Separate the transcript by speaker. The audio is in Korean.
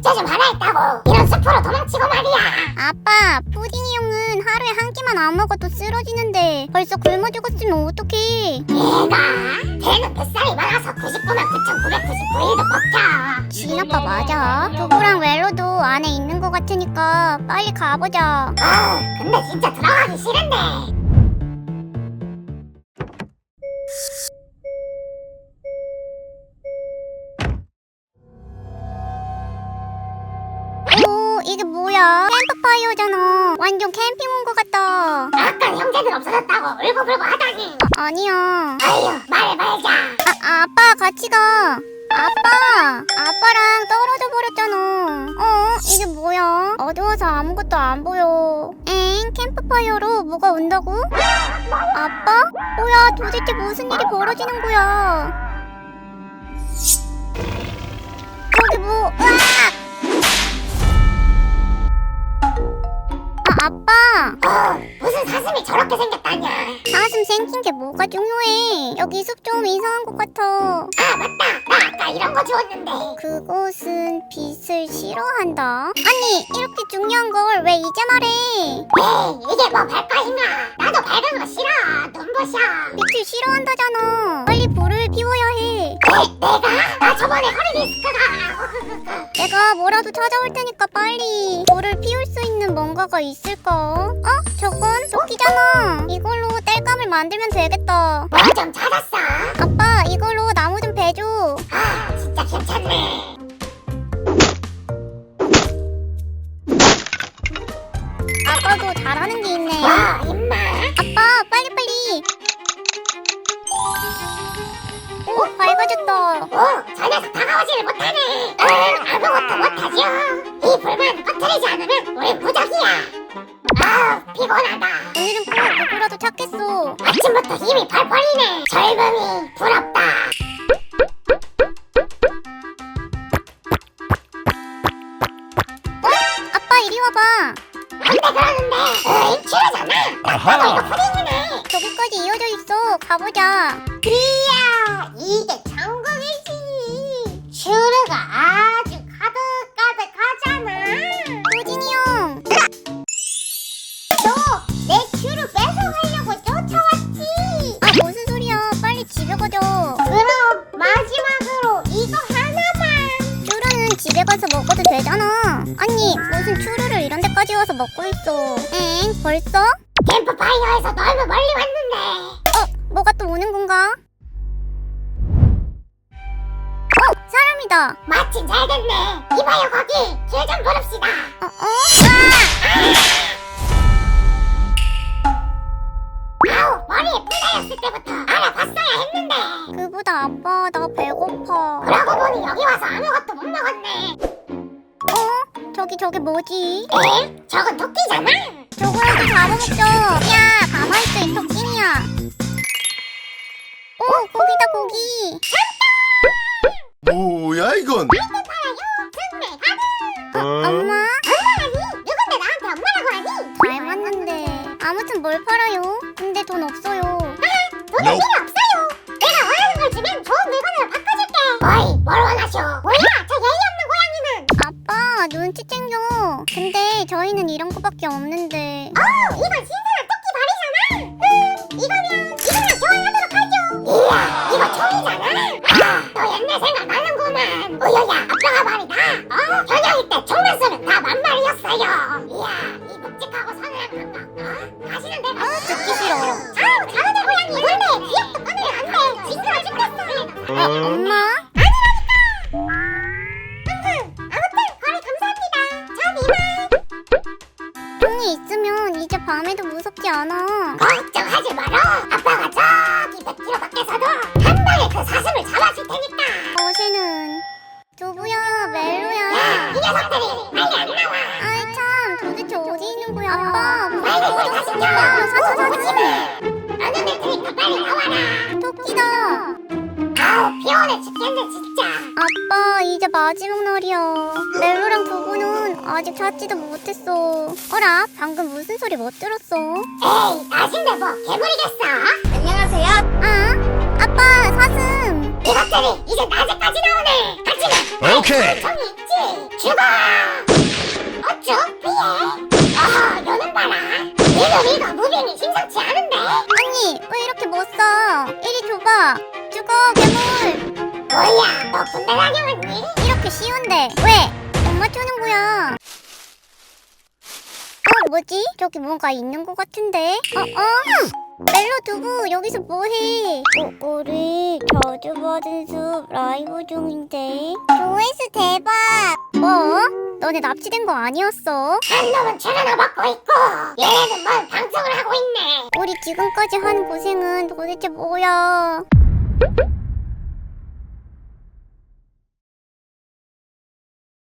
Speaker 1: 숙제 좀 하나 했다고 이런 숲으로 도망치고 말이야.
Speaker 2: 아빠, 푸딩이 형은 하루에 한 끼만 안 먹어도 쓰러지는데 벌써 굶어 죽었으면 어떡해.
Speaker 1: 얘가 걔는 뱃살이 많아서 99만 9,999일도 버텨.
Speaker 2: 진 아빠 맞아. 두부랑 웰로도 안에 있는 것 같으니까 빨리 가보자.
Speaker 1: 근데 진짜 들어가기 싫은데.
Speaker 2: 오, 이게 뭐야? 캠프파이어잖아. 완전 캠핑 온 것 같다.
Speaker 1: 아까 형제들 없어졌다고 울고불고 하다니.
Speaker 2: 아니야.
Speaker 1: 아휴 말해 말자.
Speaker 2: 아빠 같이 가. 아빠랑 떨어져 버렸잖아. 이게 뭐야? 어두워서 아무것도 안 보여. 캠프파이어로 뭐가 온다고? 아빠? 뭐야, 도대체 무슨 일이 벌어지는 거야? 저기 뭐, 으악! 아빠!
Speaker 1: 무슨 사슴이 저렇게 생겼다냐.
Speaker 2: 사슴 생긴 게 뭐가 중요해? 여기 숲 좀 이상한 것 같아.
Speaker 1: 아 맞다, 나 아까 이런 거 주웠는데.
Speaker 2: 그곳은 빛을 싫어한다. 아니, 이렇게 중요한 걸 왜 이제 말해?
Speaker 1: 에이 이게 뭐 별거인가. 나도 밝은 거 싫어. 눈부셔.
Speaker 2: 빛을 싫어한다잖아. 빨리 불을 피워야 해.
Speaker 1: 내가? 나 저번에 허리디스크가.
Speaker 2: 내가 뭐라도 찾아올 테니까 빨리. 불을 피울 수 있는 뭔가가 있을까? 저건 도끼잖아. 이걸로 땔감을 만들면 되겠다.
Speaker 1: 뭐 좀 찾았어?
Speaker 2: 아빠, 이걸로 나무 좀 베줘.
Speaker 1: 아 진짜 괜찮네.
Speaker 2: 아빠도 잘하는 게 있네.
Speaker 1: 와 임마.
Speaker 2: 아빠, 빨리빨리. 오, 밝아졌다.
Speaker 1: 저 녀석 다가오지를 못하네. 아무것도 못하죠. 이 불만 꺼트리지 않으면 우리 무적이야. 피곤하다.
Speaker 2: 오늘은 꼭 누구라도 찾겠어.
Speaker 1: 아침부터 힘이 펄펄이네. 젊음이 부럽다.
Speaker 2: 아빠, 이리 와봐.
Speaker 1: 근데 그러는데 큐잖아. 나도 이거 푸딩이네.
Speaker 2: 저기까지 이어져 있어. 가보자.
Speaker 1: 이야 이게 천국이지. 슈르가 아주 가득가득하잖아.
Speaker 2: 도진이 형.
Speaker 1: 너 내 슈르 뺏어가려고 쫓아왔지.
Speaker 2: 무슨 소리야. 빨리 집에 가자.
Speaker 1: 그럼 마지막으로 이거 하나만.
Speaker 2: 추루는 집에 가서 먹어도 되잖아. 아니, 무슨 추루를 이런 데까지 와서 먹고 있어. 벌써?
Speaker 1: 캠프파이어에서 너무 멀리 왔는데.
Speaker 2: 뭐가 또 오는 건가? 사람이다.
Speaker 1: 마침 잘 됐네. 이봐요 거기 길 좀 부릅시다. 아우 머리에 뿔 달렸을 때부터 알아봤어야 했는데.
Speaker 2: 그보다 아빠, 나 배고파.
Speaker 1: 그러고 보니 여기 와서 아무것도 못 먹었네.
Speaker 2: 저기 뭐지?
Speaker 1: 에? 저건 토끼잖아.
Speaker 2: 저거라도 잡아먹자. 야, 가만있어, 이 토끼야. 고기다, 고기.
Speaker 3: 뭐야 이건?
Speaker 1: 승리 가능.
Speaker 2: 엄마?
Speaker 1: 엄마라니? 누군데 나한테 엄마라고 하니?
Speaker 2: 닮았는데. 아무튼 뭘 팔아요? 근데 돈 없어요.
Speaker 1: 돈은 필요 없어요. 내가 원하는 걸 주면 좋은 물건으로 바꿔줄게. 어이 뭘 원하쇼? 뭐야 저 예의 없는 고양이는.
Speaker 2: 아빠, 눈치 챙겨. 근데 저희는 이런 거밖에 없는데.
Speaker 1: 이건 신선한 토끼 발이잖아. 이거랑 교환하도록 하죠. 이야 이거 총이잖아. 너 옛날 생각나는구만. 우여야 아빠가 말이다. 현역이 때 총만 쏘면 다 만말이었어요. 이야 이 묵직하고 서늘한 감각. 다시는 내가
Speaker 2: 듣기 싫어.
Speaker 1: 잘하네 고양이. 근데 기억도 꺼내면 안돼. 징그러 죽겠어.
Speaker 2: 엄마?
Speaker 1: 아무튼 거래 감사합니다. 전 이만.
Speaker 2: 돈이 있으면 이제 밤에도 무섭지 않아.
Speaker 1: 걱정하지 마라. 아빠가 저기 100km 밖에서도 한 방에 그 사슴을 잡아줄 테니까.
Speaker 2: 어제는 두부야, 멜로야.
Speaker 1: 야, 이 녀석들이 빨리 안 나와.
Speaker 2: 아이 참, 도대체 어디 있는 거야? 아빠,
Speaker 1: 빨리
Speaker 2: 무서워
Speaker 1: 빨리
Speaker 2: 죽겠어.
Speaker 1: 가시죠.
Speaker 2: 사지 마.
Speaker 1: 나는 내 테니까 빨리 나와라.
Speaker 2: 토끼다.
Speaker 1: 피곤해 죽겠네 진짜.
Speaker 2: 아빠, 이제 마지막 날이야. 멜로랑 두부는 아직 찾지도 못했어. 어라, 방금 무슨 소리 못 들었어?
Speaker 1: 에이 낮인데 뭐 괴물이겠어. 안녕하세요.
Speaker 2: 아빠, 사슴.
Speaker 1: 이것들이 이제 낮에까지 나오네. 하지만
Speaker 3: 오케이.
Speaker 1: 정이 있지. 죽어! 어쭈 피해. 요는 봐라. 이거 무빙이 심상치 않은데.
Speaker 2: 언니 왜 이렇게 못 써? 이리 줘봐. 죽어 괴물.
Speaker 1: 뭐야, 너 군대 다녀왔니?
Speaker 2: 이렇게 쉬운데 왜 못 맞추는 거야? 뭐지? 저기 뭔가 있는 것 같은데? 멜로 두부 여기서 뭐해? 꼬꼬리 자주 받은 숲 라이브 중인데. 조회수 대박. 뭐? 너네 납치된 거 아니었어?
Speaker 1: 한 놈은 출연을 받고 있고 얘네는 뭘 방송을 하고 있네.
Speaker 2: 우리 지금까지 한 고생은 도대체 뭐야?